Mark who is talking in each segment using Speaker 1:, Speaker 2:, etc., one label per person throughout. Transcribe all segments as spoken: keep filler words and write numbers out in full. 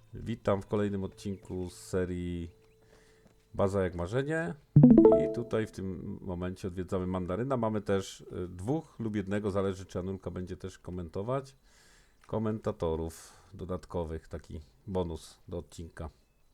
Speaker 1: Witam w kolejnym odcinku z serii Baza jak marzenie. I tutaj w tym momencie odwiedzamy Mandaryna. Mamy też y, dwóch lub jednego, zależy czy Anulka będzie też komentować. Komentatorów dodatkowych, taki bonus do odcinka.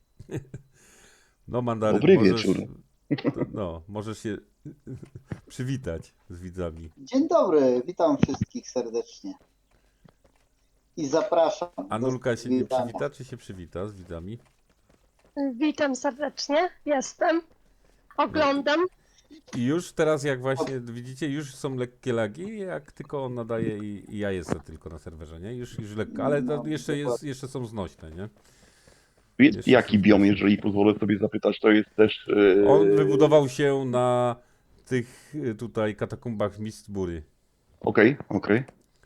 Speaker 1: No Mandaryn,
Speaker 2: Dobry
Speaker 1: możesz,
Speaker 2: wieczór.
Speaker 1: no, możesz się przywitać z widzami.
Speaker 3: Dzień dobry, witam wszystkich serdecznie i zapraszam do
Speaker 1: Anulka się nie
Speaker 3: zwiedzania.
Speaker 1: przywita, czy się przywita z widzami?
Speaker 4: Witam serdecznie, jestem, oglądam.
Speaker 1: I już teraz, jak właśnie widzicie, już są lekkie lagi, jak tylko on nadaje i, i ja jestem tylko na serwerze, nie? Już, już lekko, ale to
Speaker 3: No,
Speaker 1: jeszcze, jest,
Speaker 3: dokładnie.
Speaker 1: jeszcze są znośne, nie?
Speaker 2: Jest
Speaker 1: Jeszcze
Speaker 2: jaki
Speaker 1: są
Speaker 2: biom,
Speaker 1: znośne.
Speaker 2: jeżeli pozwolę sobie zapytać, to jest też... Yy...
Speaker 1: On wybudował się na tych y, tutaj katakumbach Mistbury.
Speaker 2: Okej, okej.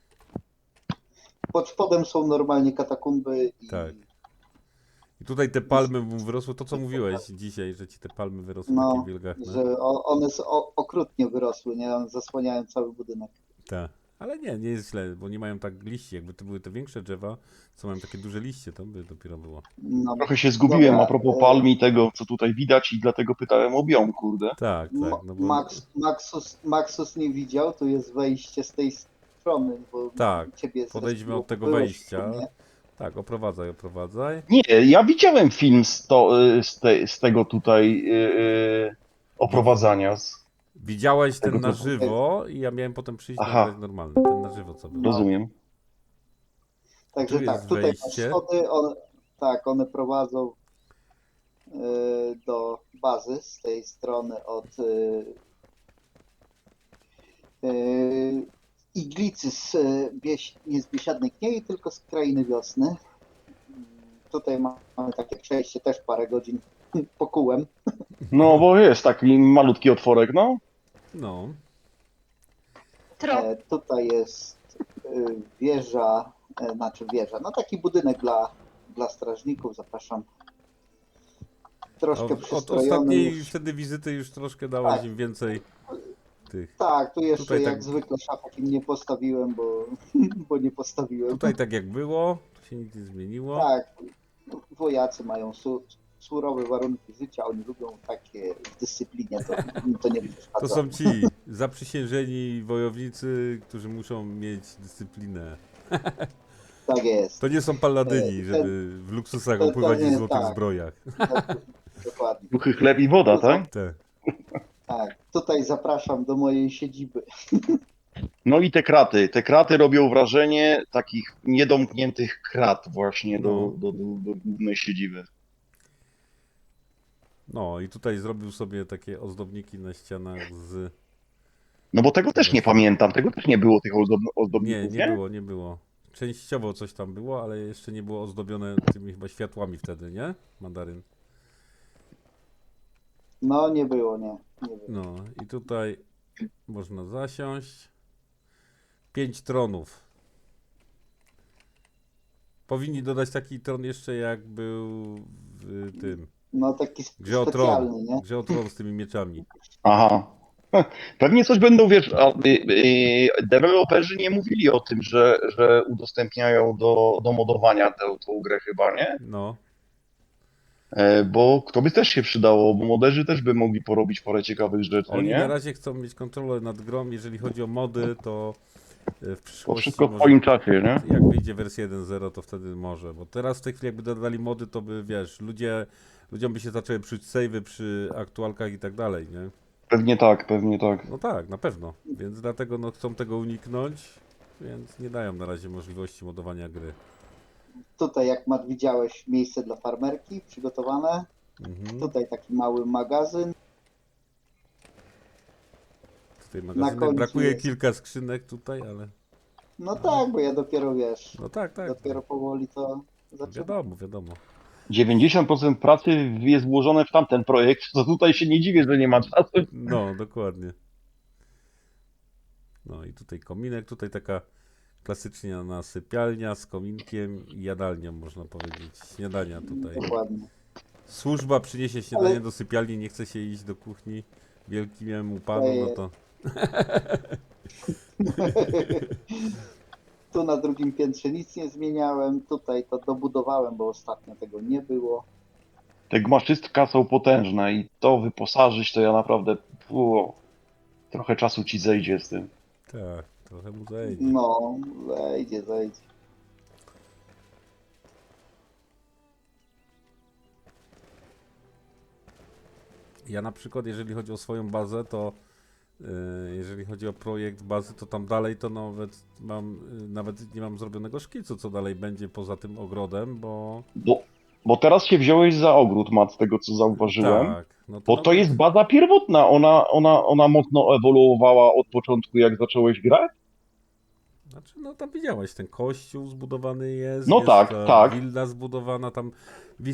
Speaker 3: Pod spodem są normalnie katakumby i
Speaker 1: Tak. I tutaj te palmy mu wyrosły, to co mówiłeś dzisiaj, że ci te palmy wyrosły takie
Speaker 3: no,
Speaker 1: wielgachne.
Speaker 3: że o, one s- o, okrutnie wyrosły, nie? One zasłaniają cały budynek.
Speaker 1: Tak. Ale nie, nie jest źle, bo nie mają tak liści. Jakby to były te większe drzewa, co mają takie duże liście, to by dopiero było.
Speaker 3: No,
Speaker 2: Trochę się zgubiłem
Speaker 3: dobra,
Speaker 2: a propos
Speaker 3: e,
Speaker 2: palm i tego, co tutaj widać i dlatego pytałem o biom, kurde.
Speaker 1: Tak,
Speaker 3: M-
Speaker 1: tak, no bo...
Speaker 3: Max, Maxus, Maxus nie widział, tu jest wejście z tej strony, bo
Speaker 1: Tak,
Speaker 3: ciebie
Speaker 1: podejdźmy
Speaker 3: zrespiło,
Speaker 1: od tego
Speaker 3: byłeś
Speaker 1: wejścia.
Speaker 3: u mnie.
Speaker 1: Tak, oprowadzaj, oprowadzaj.
Speaker 2: Nie, ja widziałem film z, to, y, z, te, z tego tutaj yy, oprowadzania. Z...
Speaker 1: Widziałeś
Speaker 2: Tego
Speaker 1: ten na
Speaker 2: typu.
Speaker 1: żywo i ja miałem potem przyjść
Speaker 2: Aha.
Speaker 1: nagrać normalny, ten na żywo co był.
Speaker 2: Rozumiem.
Speaker 3: Także
Speaker 1: Tu
Speaker 3: tak,
Speaker 1: jest
Speaker 3: tutaj masz
Speaker 1: wejście.
Speaker 3: schody, one, tak, one prowadzą e, do bazy z tej strony od e, e, iglicy z e, bieś, nie z Biesiadnej Kniei, tylko z Krainy Wiosny. Mm, Tutaj mamy takie przejście też parę godzin pokułem.
Speaker 2: No, bo jest taki malutki otworek, no.
Speaker 1: No,
Speaker 4: Tro,
Speaker 3: E, tutaj jest e, wieża, e, znaczy wieża, no taki budynek dla, dla strażników, zapraszam. Troszkę
Speaker 1: od, od
Speaker 3: przystrojony
Speaker 1: ostatniej
Speaker 3: już.
Speaker 1: wtedy wizyty już troszkę dałaś
Speaker 3: Tak.
Speaker 1: im więcej tych.
Speaker 3: Tak, tu jeszcze
Speaker 1: Tutaj
Speaker 3: jak
Speaker 1: tak-
Speaker 3: zwykle szafek im nie postawiłem, bo, bo nie postawiłem.
Speaker 1: Tutaj tak jak było, tu się nic nie zmieniło.
Speaker 3: Tak, wojacy mają su, surowe warunki życia, oni lubią takie w dyscyplinie, to im to nie przeszkadza.
Speaker 1: To są ci zaprzysiężeni wojownicy, którzy muszą mieć dyscyplinę.
Speaker 3: Tak jest,
Speaker 1: To nie są paladyni,
Speaker 3: E,
Speaker 1: żeby w luksusach
Speaker 3: to- to
Speaker 1: opływać w
Speaker 3: nie,
Speaker 1: złotych
Speaker 3: tak.
Speaker 1: zbrojach.
Speaker 3: dokładnie.
Speaker 2: Duchy chleb i woda, tak?
Speaker 1: Te.
Speaker 3: Tak, tutaj zapraszam do mojej siedziby.
Speaker 2: No i te kraty. Te kraty robią wrażenie takich niedomkniętych krat właśnie
Speaker 1: No.
Speaker 2: do, do, do, do głównej siedziby.
Speaker 1: No i tutaj zrobił sobie takie ozdobniki na ścianach z...
Speaker 2: No bo tego też nie pamiętam, tego też nie było tych ozdob
Speaker 1: Nie,
Speaker 2: ozdobników,
Speaker 1: nie było, nie było. Częściowo coś tam było, ale jeszcze nie było ozdobione tymi chyba światłami wtedy, nie? Mandaryn.
Speaker 3: No nie było, nie. nie było.
Speaker 1: No i tutaj można zasiąść. Pięć tronów. Powinni dodać taki tron jeszcze jak był w tym.
Speaker 3: No taki sp-
Speaker 1: Grze o
Speaker 3: specjalny,
Speaker 1: tron.
Speaker 3: nie?
Speaker 1: Grze o tron z tymi mieczami.
Speaker 2: Aha. Pewnie coś będą, wiesz, a, y, y, deweloperzy nie mówili o tym, że, że udostępniają do, do modowania tę, tą grę chyba, nie?
Speaker 1: No.
Speaker 2: E, bo to by też się przydało, bo moderzy też by mogli porobić parę ciekawych rzeczy,
Speaker 1: Oni na
Speaker 2: nie?
Speaker 1: razie chcą mieć kontrolę nad grą. Jeżeli chodzi o mody, to e, w
Speaker 2: To
Speaker 1: przyszłości
Speaker 2: wszystko w
Speaker 1: może,
Speaker 2: swoim czasie, nie?
Speaker 1: jak wyjdzie wersja jeden zero, to wtedy może. Bo teraz w tej chwili jakby dodali mody, to by wiesz, ludzie, ludziom by się zaczęły psuć save'y przy aktualkach i tak dalej, nie?
Speaker 2: Pewnie tak, pewnie tak.
Speaker 1: No tak, na pewno. Więc dlatego no, chcą tego uniknąć, więc nie dają na razie możliwości modowania gry.
Speaker 3: Tutaj jak Mat widziałeś miejsce dla farmerki przygotowane.
Speaker 1: Mhm.
Speaker 3: Tutaj taki mały magazyn.
Speaker 1: Tutaj magazynek.
Speaker 3: końcu
Speaker 1: Brakuje
Speaker 3: jest.
Speaker 1: kilka skrzynek tutaj, ale...
Speaker 3: No tak, bo ja dopiero wiesz,
Speaker 1: No tak, tak.
Speaker 3: dopiero powoli to zaczynam.
Speaker 1: Wiadomo, wiadomo.
Speaker 2: dziewięćdziesiąt procent pracy jest włożone w tamten projekt, to tutaj się nie dziwię, że nie ma czasu.
Speaker 1: No, dokładnie. No i tutaj kominek, tutaj taka klasyczna sypialnia z kominkiem i jadalnią, można powiedzieć. Śniadania tutaj.
Speaker 3: Dokładnie.
Speaker 1: Służba przyniesie śniadanie
Speaker 3: Ale-
Speaker 1: do sypialni, nie chce się iść do kuchni wielkiemu panu, no to...
Speaker 3: Tu na drugim piętrze nic nie zmieniałem, tutaj to dobudowałem, bo ostatnio tego nie było.
Speaker 2: Te gmaszystka są potężne i to wyposażyć to ja naprawdę... Fu, trochę czasu ci zejdzie z tym.
Speaker 1: Tak, trochę mu zajdzie.
Speaker 3: No, zejdzie, zejdzie.
Speaker 1: Ja na przykład, jeżeli chodzi o swoją bazę, to yy, jeżeli chodzi o projekt bazy, to tam dalej to nawet mam, yy, nawet nie mam zrobionego szkicu, co dalej będzie poza tym ogrodem, bo
Speaker 2: Bo, bo teraz się wziąłeś za ogród, Mat, z tego co zauważyłem.
Speaker 1: tak, no
Speaker 2: Bo
Speaker 1: ten
Speaker 2: to
Speaker 1: ogród-
Speaker 2: jest baza pierwotna, ona, ona, ona mocno ewoluowała od początku, jak zacząłeś grać?
Speaker 1: Znaczy, no tam widziałeś, ten kościół zbudowany jest,
Speaker 2: No
Speaker 1: jest
Speaker 2: tak,
Speaker 1: ta
Speaker 2: tak.
Speaker 1: willa zbudowana, tam wi-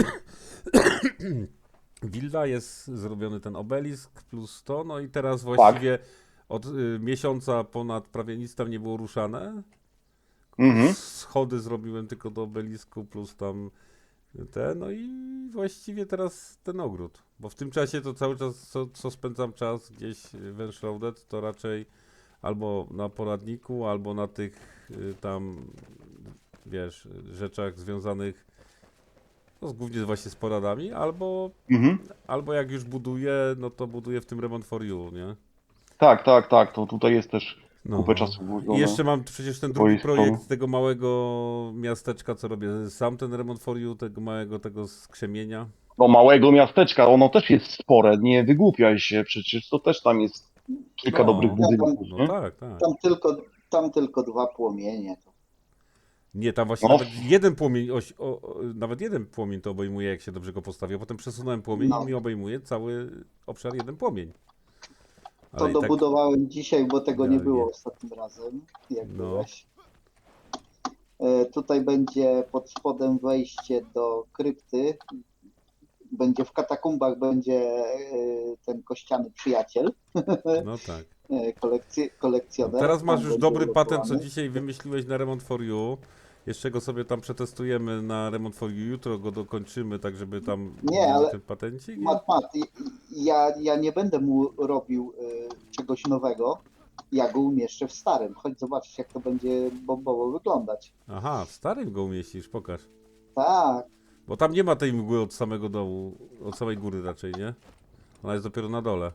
Speaker 1: willa jest zrobiony ten obelisk plus to, no i teraz właściwie od y, miesiąca ponad prawie nic tam nie było ruszane.
Speaker 2: Mhm.
Speaker 1: Schody zrobiłem tylko do obelisku plus tam te, no i właściwie teraz ten ogród, bo w tym czasie to cały czas, co, co spędzam czas gdzieś w Enshrouded, to raczej albo na poradniku, albo na tych y, tam, wiesz, rzeczach związanych no, z- głównie właśnie z poradami, albo,
Speaker 2: Mhm.
Speaker 1: albo jak już buduję, no to buduję w tym Remont for You, nie?
Speaker 2: Tak, tak, tak, to tutaj jest też
Speaker 1: No.
Speaker 2: kupę czasu
Speaker 1: I
Speaker 2: włożone.
Speaker 1: jeszcze mam przecież ten
Speaker 2: Bo
Speaker 1: drugi
Speaker 2: jest to-
Speaker 1: projekt tego małego miasteczka, co robię. Sam ten Remont for You, tego małego, tego skrzemienia.
Speaker 2: Do małego miasteczka, ono też jest spore, nie wygłupiaj się, przecież to też tam jest kilka
Speaker 1: No.
Speaker 2: dobrych budynków,
Speaker 1: No
Speaker 2: nie?
Speaker 1: tak, tak.
Speaker 3: Tam tylko, tam tylko dwa płomienie.
Speaker 1: Nie, tam właśnie
Speaker 2: No.
Speaker 1: nawet jeden płomień, oś, o, o, nawet jeden płomień to obejmuje, jak się dobrze go postawi, a potem przesunąłem płomień
Speaker 3: No.
Speaker 1: i mi obejmuje cały obszar jeden płomień.
Speaker 3: To
Speaker 1: Ale i tak,
Speaker 3: dobudowałem dzisiaj, bo tego nie
Speaker 1: idealnie.
Speaker 3: było ostatnim razem, jak
Speaker 1: No.
Speaker 3: byłeś. E, Tutaj będzie pod spodem wejście do krypty. Będzie w katakumbach będzie e, ten kościany przyjaciel,
Speaker 1: no tak.
Speaker 3: e, kolekcj kolekcjoner.
Speaker 1: Teraz masz
Speaker 3: Tam
Speaker 1: już
Speaker 3: będzie
Speaker 1: dobry patent, co
Speaker 3: ulokowany.
Speaker 1: dzisiaj wymyśliłeś na Remont for You. Jeszcze go sobie tam przetestujemy na Remont for You. Jutro go dokończymy, tak żeby tam
Speaker 3: Nie,
Speaker 1: był
Speaker 3: ale
Speaker 1: ten patencik.
Speaker 3: Mat, mat, i- ja, ja nie będę mu robił e, czegoś nowego. Ja go umieszczę w starym. Chodź zobaczyć, jak to będzie bombowo wyglądać.
Speaker 1: Aha, w starym go umieścisz, pokaż.
Speaker 3: Tak,
Speaker 1: Bo tam nie ma tej mgły od samego dołu, od samej góry raczej, nie? Ona jest dopiero na dole.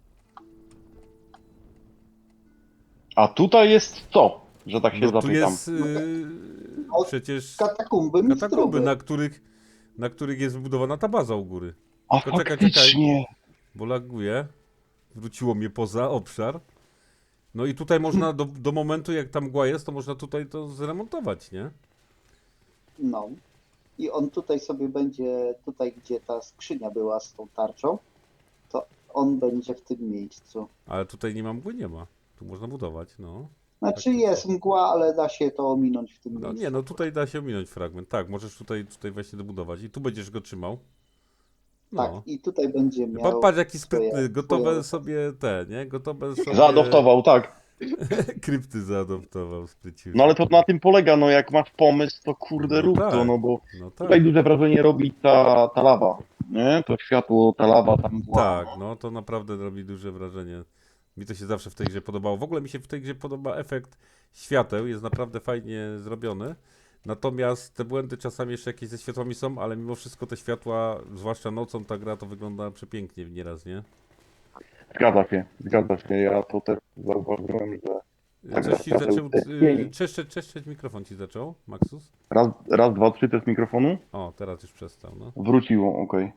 Speaker 2: A tutaj jest co? Że tak się
Speaker 1: No tu
Speaker 2: zapytam.
Speaker 1: jest yy,
Speaker 3: No,
Speaker 1: przecież
Speaker 3: katakumby
Speaker 1: katakumby,
Speaker 3: mistrzowe.
Speaker 1: na których, na których jest wybudowana ta baza u góry.
Speaker 2: A
Speaker 1: Tylko czekaj,
Speaker 2: faktycznie.
Speaker 1: Bo laguje. Wróciło mnie poza obszar. No i tutaj można do, do momentu, jak tam mgła jest, to można tutaj to zremontować, nie?
Speaker 3: No. I on tutaj sobie będzie, tutaj gdzie ta skrzynia była z tą tarczą, to on będzie w tym miejscu.
Speaker 1: Ale tutaj nie ma mgły, nie ma. Tu można budować, no.
Speaker 3: Znaczy jest mgła, ale da się to ominąć w tym
Speaker 1: No
Speaker 3: miejscu.
Speaker 1: nie, no tutaj da się ominąć fragment. Tak, możesz tutaj, tutaj właśnie dobudować. I tu będziesz go trzymał. No.
Speaker 3: Tak, i tutaj będzie
Speaker 1: Pa-
Speaker 3: miał
Speaker 1: Patrz jaki
Speaker 3: swoje-
Speaker 1: sprytny, gotowe
Speaker 3: swoje-
Speaker 1: sobie te, nie? Gotowe sobie
Speaker 2: Zaadoptował, tak.
Speaker 1: krypty zaadoptował, sprycił.
Speaker 2: No ale to na tym polega, no jak masz pomysł, to kurde
Speaker 1: No
Speaker 2: rób
Speaker 1: tak.
Speaker 2: to, no bo
Speaker 1: No tak,
Speaker 2: tutaj duże wrażenie robi ta, ta lawa, nie? To światło, ta lawa tam była.
Speaker 1: tak, no to naprawdę robi duże wrażenie. Mi to się zawsze w tej grze podobało. W ogóle mi się w tej grze podoba efekt świateł, jest naprawdę fajnie zrobiony. Natomiast te błędy czasami jeszcze jakieś ze światłami są, ale mimo wszystko te światła, zwłaszcza nocą ta gra to wygląda przepięknie nieraz, nie?
Speaker 2: Zgadza się, zgadza się. Ja to też zauważyłem, że Tak,
Speaker 1: Coś ci
Speaker 2: świateł
Speaker 1: zaczął,
Speaker 2: te
Speaker 1: y,
Speaker 2: cieni.
Speaker 1: czeszczeć, czeszczeć mikrofon ci zaczął, Maxus?
Speaker 2: raz, raz, dwa, trzy test mikrofonu.
Speaker 1: O, teraz już przestał, no.
Speaker 2: Wróciło, okej.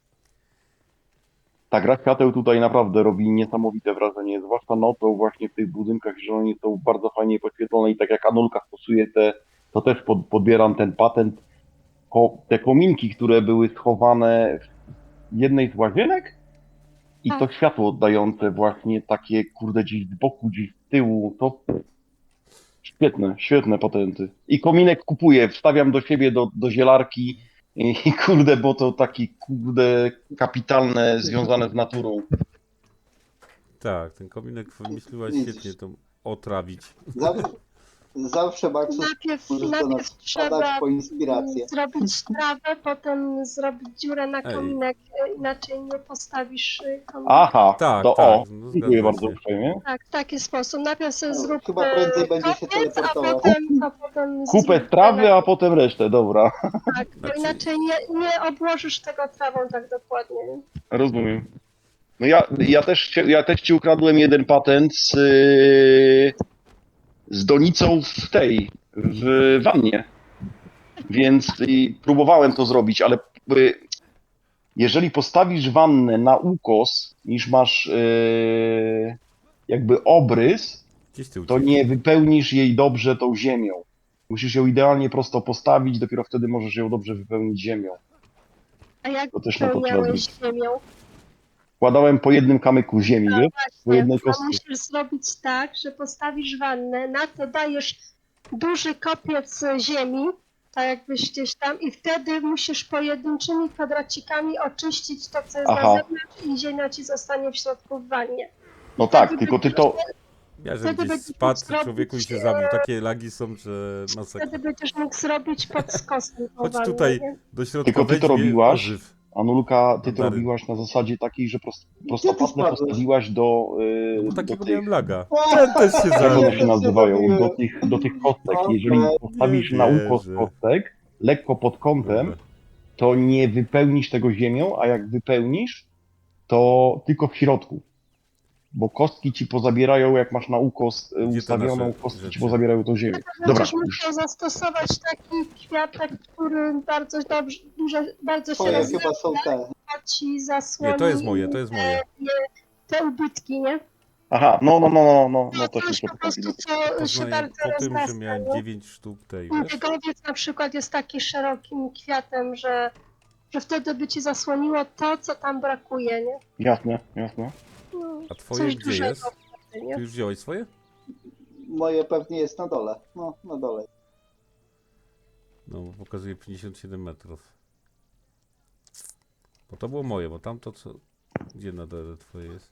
Speaker 2: Ta gra świateł tutaj naprawdę robi niesamowite wrażenie, zwłaszcza nocą właśnie w tych budynkach, że oni są bardzo fajnie podświetlone i tak jak Anulka stosuje te, to też pod, podbieram ten patent. Ko, te kominki, które były schowane w jednej z łazienek i to
Speaker 4: Tak.
Speaker 2: światło oddające właśnie takie kurde gdzieś z boku, gdzieś z tyłu, to świetne, świetne patenty. I kominek kupuję, wstawiam do siebie, do, do zielarki i, i kurde, bo to takie kurde kapitalne, związane z naturą.
Speaker 1: Tak, ten kominek wymyśliłaś
Speaker 3: Widzisz.
Speaker 1: świetnie to otrawić.
Speaker 3: Zawsze, Zawsze, Maxus,
Speaker 4: Najpierw,
Speaker 3: możesz do nas
Speaker 4: najpierw
Speaker 3: wpadać
Speaker 4: trzeba
Speaker 3: po inspirację.
Speaker 4: mm, zrobić trawę, potem zrobić dziurę na
Speaker 1: Ej.
Speaker 4: kominek, e, inaczej nie postawisz e, kominek.
Speaker 2: Aha,
Speaker 1: Tak,
Speaker 2: to
Speaker 1: tak,
Speaker 2: o,
Speaker 1: no,
Speaker 2: dziękuję
Speaker 1: zgadza
Speaker 2: bardzo
Speaker 1: się.
Speaker 2: uprzejmie.
Speaker 4: Tak, w taki sposób. Najpierw sobie
Speaker 3: No,
Speaker 4: zrób
Speaker 3: chyba
Speaker 4: e,
Speaker 3: prędzej będzie się
Speaker 4: kopiec, a
Speaker 3: teleportował.
Speaker 4: potem, a potem
Speaker 2: Kupę
Speaker 4: zrób
Speaker 2: trawy,
Speaker 4: na-
Speaker 2: a potem resztę, dobra.
Speaker 4: Tak, bo
Speaker 1: Znaczy-
Speaker 4: inaczej nie, nie obłożysz tego trawą tak dokładnie. nie?
Speaker 2: Rozumiem. No ja, ja, też, ci- ja też ci ukradłem jeden patent z, yy, z donicą w tej, w wannie. Więc i próbowałem to zrobić, ale y, jeżeli postawisz wannę na ukos, niż masz yy, jakby obrys,
Speaker 1: Gdzieś ty
Speaker 2: to
Speaker 1: uciekł.
Speaker 2: nie wypełnisz jej dobrze tą ziemią. Musisz ją idealnie prosto postawić, dopiero wtedy możesz ją dobrze wypełnić ziemią.
Speaker 4: A jak
Speaker 2: To też na to trzeba
Speaker 4: wypełniałeś
Speaker 2: zwrócić.
Speaker 4: ziemią?
Speaker 2: Wkładałem po jednym kamyku ziemi, wiesz? Po
Speaker 4: Nie,
Speaker 2: jednej
Speaker 4: to
Speaker 2: kostce.
Speaker 4: musisz zrobić tak, że postawisz wannę, na to dajesz duży kopiec ziemi, tak jakbyś gdzieś tam, i wtedy musisz pojedynczymi kwadracikami oczyścić to, co jest
Speaker 2: Aha.
Speaker 4: na zewnątrz, i ziemia ci zostanie w środku w wannie.
Speaker 2: No tak, tylko ty to...
Speaker 1: Ja, że
Speaker 4: Wtedy
Speaker 1: gdzieś
Speaker 4: będziesz
Speaker 1: spadł
Speaker 4: mógł
Speaker 1: człowieku i się
Speaker 4: zrobić,
Speaker 1: zabił. Takie lagi są, że masakra.
Speaker 4: Wtedy będziesz mógł zrobić pod skosem tą
Speaker 1: Chodź
Speaker 4: wannę,
Speaker 1: tutaj
Speaker 4: nie?
Speaker 1: do środka,
Speaker 2: Tylko ty to
Speaker 1: weź mnie,
Speaker 2: robiłaś?
Speaker 1: ożyw.
Speaker 2: Anulka, ty to
Speaker 1: Mandaryn.
Speaker 2: robiłaś na zasadzie takiej, że prost,
Speaker 3: Gdzie ty
Speaker 2: prostopadle
Speaker 3: spadłeś?
Speaker 2: postawiłaś do, yy,
Speaker 1: No bo
Speaker 2: do
Speaker 1: takiego
Speaker 2: tych...
Speaker 1: miałem laga. Ten też się
Speaker 2: Jak
Speaker 1: zabił.
Speaker 2: one
Speaker 3: Ja
Speaker 2: się
Speaker 3: też się
Speaker 2: nazywają?
Speaker 3: zabiłem.
Speaker 2: Do tych, do tych kostek.
Speaker 3: Okej.
Speaker 2: Jeżeli postawisz
Speaker 1: Nie
Speaker 2: na ukos
Speaker 1: wierzę.
Speaker 2: kostek, lekko pod kątem,
Speaker 1: Dobra.
Speaker 2: to nie wypełnisz tego ziemią, a jak wypełnisz, to tylko w środku. Bo kostki ci pozabierają, jak masz na ukos y,
Speaker 1: Gdzie te
Speaker 2: ustawioną,
Speaker 1: nasze
Speaker 2: kostki ci
Speaker 1: rzeczy?
Speaker 2: pozabierają tą ziemię. Dobra,
Speaker 4: Będziesz
Speaker 2: już.
Speaker 4: musiał zastosować taki kwiatek, który bardzo dobrze, dużo, bardzo się
Speaker 3: Twoje
Speaker 4: rozwija,
Speaker 3: chyba są te.
Speaker 4: ci zasłoni
Speaker 1: Nie, to jest moje, to jest moje.
Speaker 4: te ubytki, nie?
Speaker 2: Aha, no, no, no, no, no, no
Speaker 4: No
Speaker 2: też
Speaker 4: coś
Speaker 2: muszę
Speaker 4: po prostu,
Speaker 2: poprawić.
Speaker 4: co się
Speaker 1: Poznaję
Speaker 4: bardzo
Speaker 1: po tym, że
Speaker 4: rozrasta.
Speaker 1: miałem
Speaker 4: nie?
Speaker 1: dziewięć sztuk tej, wiesz?
Speaker 4: Biegowiec na przykład jest taki szerokim kwiatem, że, że wtedy by ci zasłoniło to, co tam brakuje, nie?
Speaker 2: Jasne, jasne.
Speaker 4: No,
Speaker 1: A twoje
Speaker 4: coś
Speaker 1: gdzie
Speaker 4: dużego
Speaker 1: jest?
Speaker 4: wtedy, nie?
Speaker 1: Ty już wziąłeś swoje?
Speaker 3: Moje pewnie jest na dole. No, na dole.
Speaker 1: No, bo pokazuje pięćdziesiąt siedem metrów. Bo to było moje, bo tamto co... Gdzie na dole twoje jest?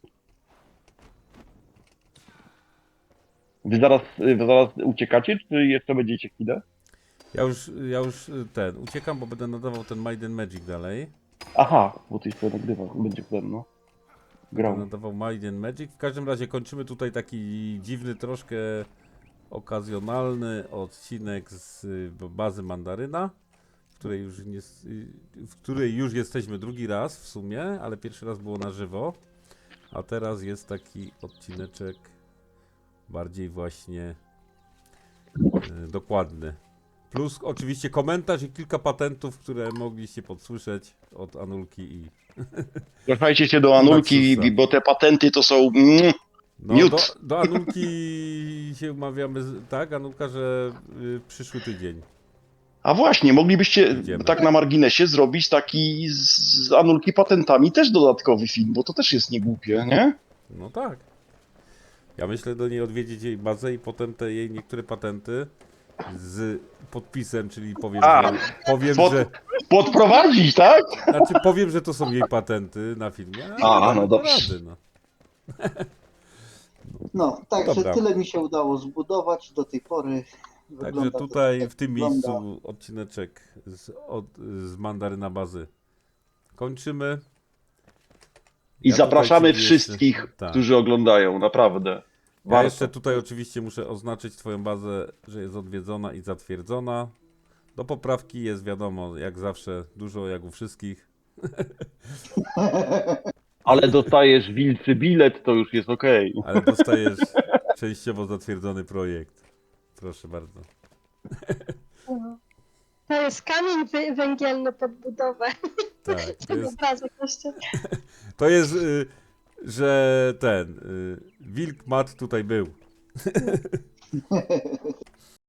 Speaker 2: Wy zaraz, wy zaraz uciekacie, czy jeszcze będziecie chwilę?
Speaker 1: Ja już, ja już y, ten, uciekam, bo będę nadawał ten Might and Magic dalej.
Speaker 2: Aha, bo ty sobie nagrywasz, będzie potem, no.
Speaker 1: Będę
Speaker 2: Grał.
Speaker 1: nadawał Might and Magic. W każdym razie kończymy tutaj taki dziwny, troszkę okazjonalny odcinek z y, bazy Mandaryna, w której już, nie, s- y, w której już jesteśmy drugi raz w sumie, ale pierwszy raz było na żywo. A teraz jest taki odcineczek bardziej właśnie y, dokładny. Plus oczywiście komentarz i kilka patentów, które mogliście podsłyszeć od Anulki i...
Speaker 2: Zwracajcie się do Anulki,
Speaker 1: Maxusa.
Speaker 2: bo te patenty to są... Mm,
Speaker 1: No,
Speaker 2: Miód.
Speaker 1: do, do Anulki się umawiamy, z- tak, Anulka, że y, przyszły tydzień.
Speaker 2: A właśnie, moglibyście
Speaker 1: Idziemy.
Speaker 2: tak na marginesie zrobić taki z, z Anulki patentami też dodatkowy film, bo to też jest niegłupie, nie?
Speaker 1: No tak. Ja myślę do niej odwiedzić jej bazę i potem te jej niektóre patenty z podpisem, czyli powiem,
Speaker 2: A,
Speaker 1: że, powiem,
Speaker 2: pod-
Speaker 1: że,
Speaker 2: Podprowadzić, tak?
Speaker 1: znaczy powiem, że to są jej patenty na filmie.
Speaker 2: A,
Speaker 1: damy
Speaker 2: no
Speaker 1: to
Speaker 2: dobrze.
Speaker 1: rady, no.
Speaker 3: No, także
Speaker 1: Dobra.
Speaker 3: tyle mi się udało zbudować do tej pory.
Speaker 1: Także
Speaker 3: Wygląda to
Speaker 1: tutaj
Speaker 3: tak, jak
Speaker 1: w tym
Speaker 3: wygląda.
Speaker 1: miejscu odcineczek z, od, z Mandaryna bazy kończymy.
Speaker 2: I
Speaker 1: Ja tutaj
Speaker 2: zapraszamy
Speaker 1: ci jeszcze-
Speaker 2: wszystkich,
Speaker 1: tak.
Speaker 2: którzy oglądają, naprawdę.
Speaker 1: Ja
Speaker 2: Warto.
Speaker 1: jeszcze tutaj oczywiście muszę oznaczyć twoją bazę, że jest odwiedzona i zatwierdzona. Do poprawki jest wiadomo, jak zawsze, dużo jak u wszystkich.
Speaker 2: Ale dostajesz wilcy bilet, to już jest okej.
Speaker 1: Ale dostajesz częściowo zatwierdzony projekt. Proszę bardzo.
Speaker 4: No. To jest kamień wy- węgielny pod budowę.
Speaker 1: Tak, to
Speaker 4: Ten
Speaker 1: jest,
Speaker 4: obrazek jeszcze.
Speaker 1: to jest y, że ten y, wilk mat tutaj był.